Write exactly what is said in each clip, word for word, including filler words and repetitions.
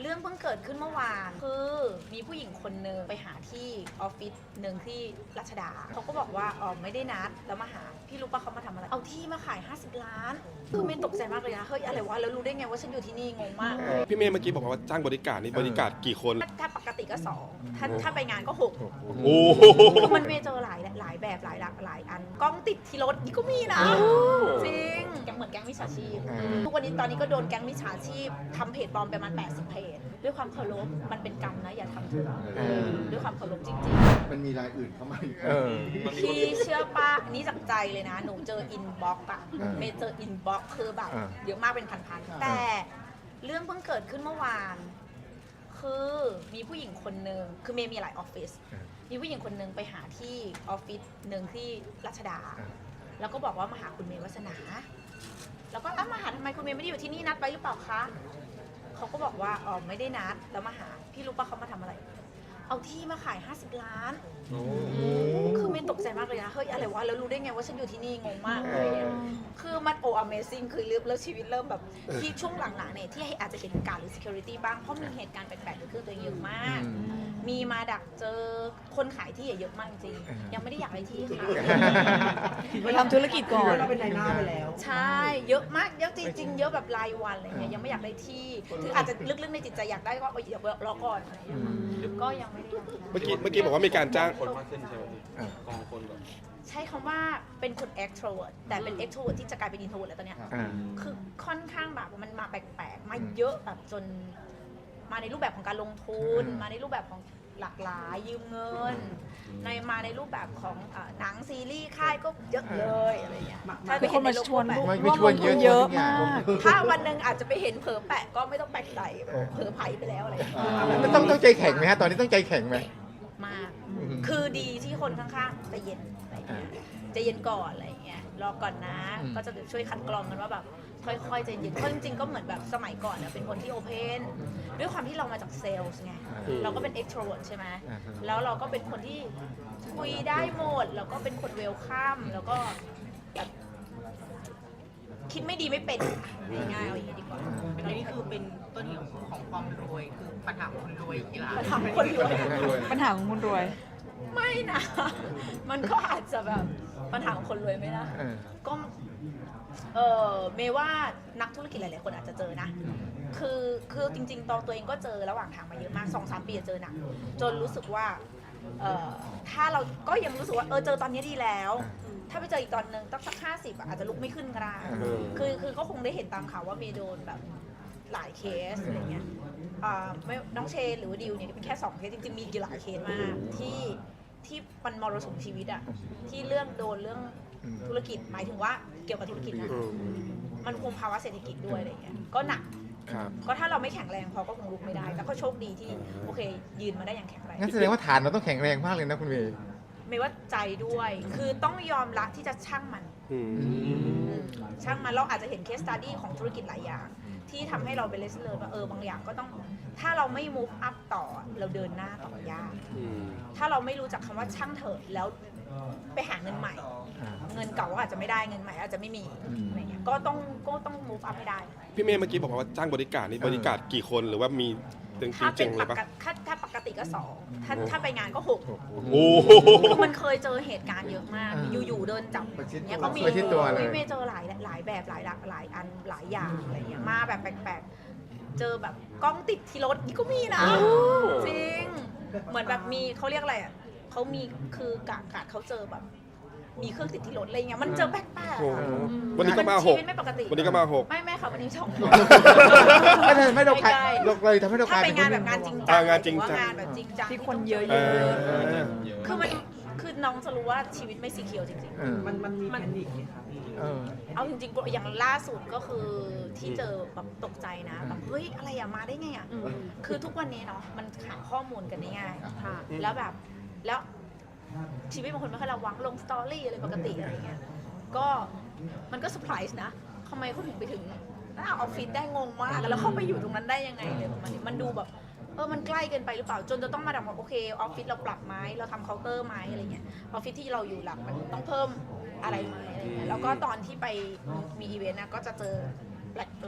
รื่องเพิ่งเกิดขึ้นเมื่อวานคือมีผู้หญิงคนนึงไปหาที่ออฟฟิศหนึ่งที่รัชดาเขาก็บอกว่าอ๋อไม่ได้นัดแล้วมาหาพี่รู้ปะเขามาทำอะไรเอาที่มาขายห้าสิบล้านคือเมย์ตกใจมากเลยนะเฮ้ยอะไรวะแล้วรู้ได้ไงว่าฉันอยู่ที่นี่งงมากพี่เมย์เมื่อกี้บอกว่าจ้างบริการนี่บริการกี่คนถ้าปกติก็สองถ้าถ้าไปงานก็หกโอ้คือมันเมย์เจอหลายหลายแบบหลายหลากหลายอันกล้องติดที่รถนี่ก็มีนะจริงแกเหมือนแก๊งมิจฉาชีพทุกวันนี้ตอนนี้ก็โดนแก๊งมิจฉาชีพทำเพจปลอมประมาณแปดสิบเพจด้วยความเคารพมันเป็นกรรมนะอย่าทำเถอะด้วยความเคารพจริงๆมันมีรายอื่นเข้ามาอีกเออพี่เชื่อป้านี่จากใจเลยนะหนูเจออินบ็อกซ์อะอ่าเมย์เจออินบ็อกซ์คือแบบอ่าเยอะมากเป็นพันๆแต่เรื่องเพิ่งเกิดขึ้นเมื่อวาน คือมีผู้หญิงคนนึงคือเมย์มีหลายออฟฟิศมีผู้หญิงคนนึงไปหาที่ออฟฟิศหนึ่งที่รัชดา แล้วก็บอกว่ามาหาคุณเมย์วัฒนา แล้วก็อ้าวมาหาทำไมคุณเมย์ไม่ได้อยู่ที่นี่นัดไว้หรือเปล่าคะเขาก็บอกว่าอ๋อไม่ได้นัดแล้วมาหาพี่รู้ปะเขามาทำอะไร เอาที่มาขายห้าสิบล้าน คือเมย์ตกใจมากเลยนะ เฮ้ยอะไรวะ แล้วรู้ได้ไงว่าฉันอยู่ที่นี่งงมากเลยเนี่ยคือมันโอ้ Amazing คือเริ่มแล้วชีวิตเริ่มแบบที่ช่วงหลังๆเนี่ยที่อาจจะเป็นการหรือ security บ้าง เพราะมีเหตุการณ์แปลกๆเกิดขึ้นตัวเองเยอะมาก มีมาดักเจอคนขายที่เยอะมากจริง ยังไม่ได้อยากได้ที่ค่ะไปทำธุรกิจก่อนเราเป็นนายหน้าไปแล้วใช่ เยอะมาก เยอะจริงๆ เยอะแบบรายวันอะไรเงี้ย ยังไม่อยากได้ที่ ถึงอาจจะลึกๆในจิตใจอยากได้ก็เดี๋ยวรอก่อนอะไรเงี้ยก็ยังไม่ได้อยากได้เมื่อกี้เมื่อกี้บอกว่ามีการจ้างคนมากขึ้นใช่ไหมพี่กองคนแบบใช้คำว่าเป็นคน extrovert แต่เป็น extrovert ที่จะกลายเป็น introvert แล้วตอนเนี้ยอ่าคือค่อนข้างแบบมันมาแปลกๆ มาเยอะแบบจนมาในรูปแบบของการลงทุนอืมมาในรูปแบบของหลากหลายยืมเงิน ในมาในรูปแบบของอ่าหนังซีรีส์ค่ายก็เยอะเลยอะไรเงี้ยถ้าไปมีคเห็นนในมาโลกชวนแบบไม่ร่ไม่วมชลวนงเยทุอะนเยอะทุกอย่างมากถ้าวันหนึ่งอาจจะไปเห็นเผลอแปะก็ไม่ต้องแปลกใจเผลอไผ่ไปแล้วอะไรเงี้ยมันต้องต้องใจแข็งไหมฮะ ตอนนี้ต้องใจแข็งไหมมาก คือดีที่คนข้างๆใจเย็นอะไรเงี้ยใจเย็นก่อนอะไรเงี้ยรอก่อนนะอืมก็จะช่วยคัดกรองกันว่าแบบค่อยๆใจเย็นเพราะจริงๆก็เหมือนแบบสมัยก่อนเนี่ยเป็นคนที่โอเพนด้วยความที่เรามาจากเซลส์ไงเราก็เป็น extrovert ใช่ไหมอ่าฮะแล้วเราก็เป็นคนที่คุยได้หมดแล้วก็เป็นคนเวลคัมแล้วก็แบบคิดไม่ดีไม่เป็นง่ายๆเอาอย่างนี้ดีกว่าอันนี้คือเป็นต้นเหตุของความรวย คือปัญหาคนรวยกีฬาปัญหาคนรวยปัญหาของคนรวยไม่นะ มันก็อาจจะแบบปัญหาของคนรวยไหมนะเออก็เออเมย์ว่านักธุรกิจหลายๆคนอาจจะเจอนะ คือคือจริงๆตอนตัวเองก็เจอระหว่างทางมาเยอะมากสองสามปีเจอหนักจนรู้สึกว่าเออถ้าเราก็ยังรู้สึกว่าเออเจอตอนนี้ดีแล้ว ถ้าไปเจออีกตอนนึงตั้งสักห้าสิบอาจจะลุกไม่ขึ้นก็ได้อืมคือคือก็คงได้เห็นตามข่าวว่าเมย์โดนแบบหลายเคสอะไรเงี้ยอ่าไม่น้องเชนหรือว่าดิวเนี่ยเป็นแค่สองเคสจริงๆมีอีกหลายเคสมากที่ที่มันมรสุมชีวิตอะที่เรื่องโดนเรื่องอืมธุรกิจหมายถึงว่าเกี่ยวกับธุรกิจนะอืมมันคุมภาวะเศรษฐกิจด้วยอะไรเงี้ยก็หนักครับก็ถ้าเราไม่แข็งแรงพอก็คงลุกไม่ได้แต่ก็โชคดีที่โอเค ยืนมาได้อย่างแข็งแรงงั้นแสดงว่าฐานเราต้องแข็งแรงมากเลยนะคุณเมย์ไม่ว่าใจด้วย คือต้องยอมรับที่จะช่างมันอืมอืมช่างมันเราอาจจะเห็นเคส study ของธุรกิจหลายอย่าง ที่ทำให้เราเป็น lesson learn ว่าเออบางอย่างก็ต้องถ้าเราไม่ move up ต่อเราเดินหน้าต่อยากอืมถ้าเราไม่รู้จักคำว่าช่างเถอะแล้วไปหาเงินใหม่อ่าเงินเก่าก็อาจจะไม่ได้เงินใหม่อาจจะไม่มีอืมอะไรเงี้ยก็ต้องก็ต้อง move up ให้ได้พี่เมย์เมื่อกี้บอกว่าจ้างบริการนี่บริการกี่คนหรือว่ามีจริงถ้าจเป็รินงๆเลปยปะกติถ้าถ้าปกติก็สองถ้าถ้าไปงานก็หกโอ้คือมันเคยเจอเหตุการณ์เยอะมากอ่าอยู่ๆเดินจับประชิดตัวเนี่ยก็มีประชิดตัวเลยฮ้เมย์เจอหลายหลายแบบหลายหลากหลายอันหลายอย่างอะไรเงี้ยมาแบบแปลกๆ เจอแบบกล้องติดที่รถนี่ก็มีนะจริงเหมือนแบบมีเขาเรียกอะไรอ่ะเขามีคือกากาดเขาเจอแบบ มีเครื่องติดที่รถอะไรเงี้ยมันเจอแปลกๆโอ้อะวันนี้ก็มาหชีกวิตไม่ปกติวันนี้ก็มาหกไม่ไม่ค่ะวันนี้สองไม่ได้ไม่เราขายใกล้ๆเราเลยทำให้เรากถ้าลายไปเป็นงานคแบบงานจริงจัอ่างานจริงจังหอว่างานแบบจริงจังที่คนเยอะๆเออคือมันคือน้องจะรู้ว่าชีวิตไม่สีเขียวจริงเออมันมันมีแพนิคไหมคะพี่เออๆ เอาจริงๆอย่างล่าสุดก็คือที่เจอแบบตกใจนะแบบเฮ้ยอะไรอะมาได้ไงอะคือทุกวันนี้เนาะมันหาข้อมูลกันได้ง่ายค่ะแล้วแบบแล้วชีวิตบางคนไม่ค่อยระวังลงสตอรี่อะไรปกติอะไรเงี้ยก็มันก็เซอร์ไพรส์นะทำไมเขาถึงไปถึงหน้าออฟฟิศได้งงมากแล้วเขาไปอยู่ตรงนั้นได้ยังไงเลยประมาณนี้มันดูแบบเออมันใกล้เกินไปหรือเปล่าจนจะต้องมาดับว่าโอเคออฟฟิศเราปรับไหมเราทำเคาน์เตอร์ไหมอะไรเงี้ยออฟฟิศที่เราอยู่หลักมันต้องเพิ่มอะไรไหมอะไรเงี้ยแล้วก็ตอนที่ไปมีอีเวนต์นะก็จะเจอแปลกๆ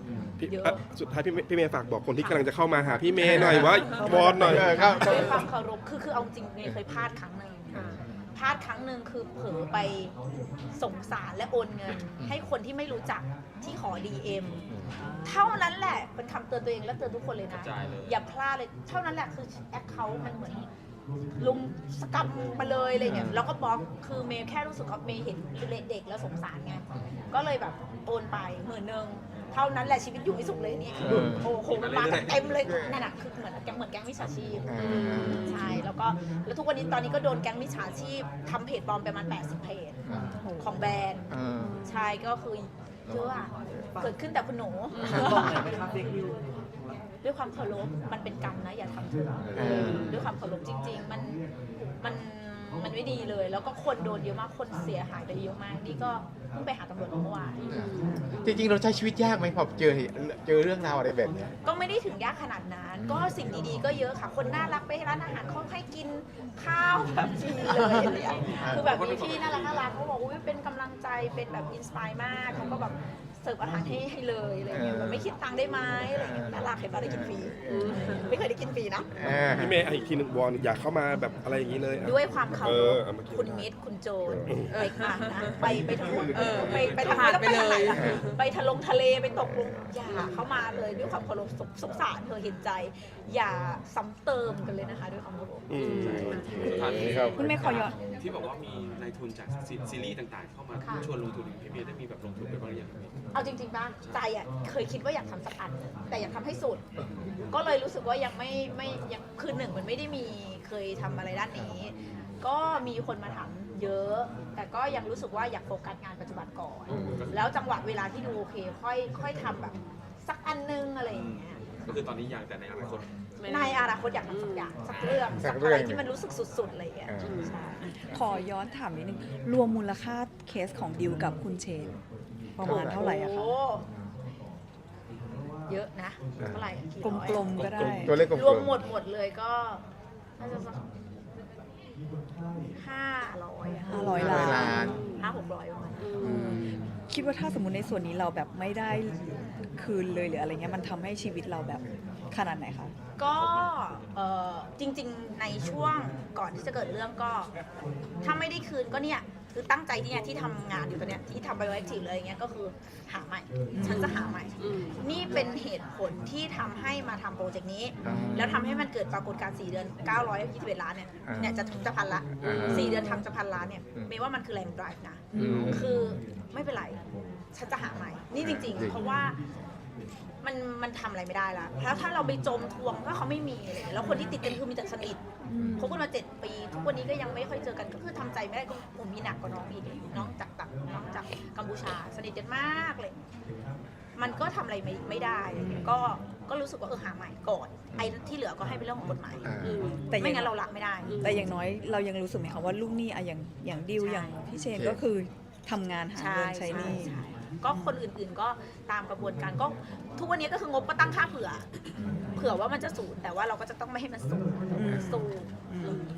พี่เยอะอ่ะสุดท้ายพี่เมย์พี่เมย์ฝากบอกคนที่กำลังจะเข้ามาหาพี่เมย์หน่อยว่าวอนหน่อยเออครับด้วยความเคารพคือคือเอาจริงเมย์เคยพลาดครั้งหนึ่งพลาดครั้งหนึ่งคือเผลอไปสงสารและโอนเงิน ให้คนที่ไม่รู้จักที่ขอ ดี เอ็ม เท่านั้นแหละเป็นคำเตือนตัวเองและเตือนทุกคนเลยนะกระจายเลยอย่าพลาดเลยเท่านั้นแหละคือแอคเคาท์มันเหมือนลุมสกรรมมาเลยอะไรเงี้ยแล้วก็บล็อกคือเมย์แค่รู้สึกว่าเมย์เห็นเด็กแล้วสงสารไงก็เลยแบบโอนไปหมื่นหนึ่งเท่านั้นแหละชีวิตอยู่ไม่สุขเลยเนี่ยเออโอ้โหมันมากันเต็มเลยนั่นน่ะคือเหมือนแก๊งเหมือนแก๊งมิจฉาชีพอ่าใช่แล้วก็แล้วทุกวันนี้ตอนนี้ก็โดนแก๊งมิจฉาชีพทำเพจปลอมไปประมาณแปดสิบเพจอ่าของแบรนด์อ่าใช่ก็คือเยอะอะเกิดขึ้นแต่คุณหนู ด้วยความเคารพมันเป็นกรรมนะอย่าทำเถอะเออด้วยความเคารพจริง ๆ มันมันมันไม่ดีเลย แล้วก็คนโดนเยอะมากคนเสียหายไปเยอะมากนี่ก็เพิ่งไปหาตำรวจเมื่อวานจริงๆ เราใช้ชีวิตยากไหมพอเจอเหตุเจอเรื่องราวอะไรแบบเนี้ยก็ไม่ได้ถึงยากขนาดนั้น ก็สิ่งดีๆก็เยอะค่ะ คนน่ารักไปร้านอาหารเขาให้กินข้าวแบบฟรีเลยอะไรอย่างเงี้ยคือแบบมีพี่น่ารักน่ารักเขาบอกว่าเป็นกำลังใจเป็นแบบอินสปายมากเขาก็แบบเสิร์ฟอาหารให้ให้เลยอะไรอย่างเงี้ยแบบไม่คิดตังค์ได้ไหมอะไรอย่างเงี้ยน่ารักเห็นป่ะได้กินฟรีไม่เคยได้กินฟรีนะเออพี่เมย์อีกทีหนึ่งวอนอยากเข้ามาแบบอะไรอย่างนี้เลยอ่ะด้วยความเคาเอรอพเอามากินคุณมิตรคุณโจรไปอ่านนะไปไปทางนู้นไปไปทางผ่านแล้วไปไปทางไหนเลยล่ะไปทะลงทะเลไปตกลงอย่าเข้ามาเลยด้วยความเคารพสงสงสารเธอเห็นใจ อย่าซ้ำเติมกันเลยนะคะ ด้วยความเคารพอืมท่านครับคุณเมย์ขอย้อนที่บอกว่ามีนายทุนจากซีซีรีส์ต่างๆ เข้ามาค่ะชวนลงทุนพี่เมย์ได้มีแบบลงทุนไปบ้างหรือยังครับพี่เอาจริงๆป่ะใจอ่ะเคยคิดว่าอยากทำสักอันแต่อยากทำให้สุด ก็เลยรู้สึกว่ายังไม่ไม่ยังคือหนึ่งมันไม่ได้มีเคยทำอะไรด้านนี้ ก็มีคนมาถามเยอะ แต่ก็ยังรู้สึกว่าอยากโฟกัสงานปัจจุบันก่อน แล้วจังหวะเวลาที่ดูโอเคค่อยค่อยทำแบบสักอันนึงอะไรอย่างเงี้ยก็คือตอนนี้ยังแต่ในอนาคตในอนาคตอยากทำสักอย่างสักเรื่องสัสักกเรื่อะองไรที่มันรู้สึกสุดๆอะไรอย่างเงี้ยอ่าใช่ขอย้อนถามนิดนึง รวมมูลค่าเคสของดิวกับคุณเชน ประมาณเท่าไหร่อะคะโอ้เยอะนะเท่าไหร่อะกี่กร้อยลมๆก็ได้ตัวเลขกลมๆรวมหมดหมดเลยก็น่าจะสักห้าร้อยอะห้าร้อยร้อยล้านห้าหกร้อยประมาณนั้นอืมคิดว่าถ้าสมมติในส่วนนี้เราแบบไม่ได้คืนเลยหรืออะไรเงี้ยมันทำให้ชีวิตเราแบบขนาดไหนคะก็เอ่อจริงๆในช่วงก่อนที่จะเกิดเรื่องก็ ถ้าไม่ได้คืนก็เนี่ยคือตั้งใจที่เนี่ยที่ทำงานอยู่ตอนเนี้ยที่ทำไบโอแอคทีฟเลยอย่างเงี้ยก็คือหาใหม่ ฉันจะหาใหม่ นี่เป็นเหตุผลที่ทำให้มาทำโปรเจกต์นี้อ่าแล้วทำให้มันเกิดปรากฏการณ์สี่เดือนเก้าร้อยยี่สิบเอ็ดล้านเนี่ยอ่าเนี่ยจะจะพันละอ่าสี่เดือนทำจะพันล้านเนี่ยอืมเมย์ว่ามันคือแรงดริฟนะอืมคือไม่เป็นไร ฉันจะหาใหม่ นี่จริงจริงๆ เพราะว่ามันมันทำอะไรไม่ได้ละแล้วถ้าเราไปจมทวงก็เขาไม่มีอะไรเลยแล้วคนที่ติดกันคือมีแต่สนิทคบกันมาเจ็ดปี ทุกวันนี้ก็ยังไม่ค่อยเจอกันก็คือทำใจไม่ได้ก็ผมมีหนักกว่าน้องอีกน้องจากต่างน้องจากกัมพูชาสนิทกันมากเลย มันก็ทำอะไรไม่ไม่ได้ก็ก็รู้สึกว่าเออหาใหม่ก่อนไอ้ที่เหลือก็ให้เป็นเรื่องของกฎหมายอ่าแต่ไม่ยังงั้นเรารักไม่ได้แต่อย่างน้อยเรายังรู้สึกไหมคะว่าลูกหนี้อะอย่างอย่างดิวใช่อย่างพี่เชนโอเคก็คือทำงานหาใช่เงินใช้หนี้ใช่ก็คนอื่นๆก็ตามกระบวนการก็ทุกวันนี้ก็คืองบก็ตั้งค่าเผื่อ เผื่อว่ามันจะศูนย์แต่ว่าเราก็จะต้องไม่ให้มันศูนย์อืมศูนย์อืม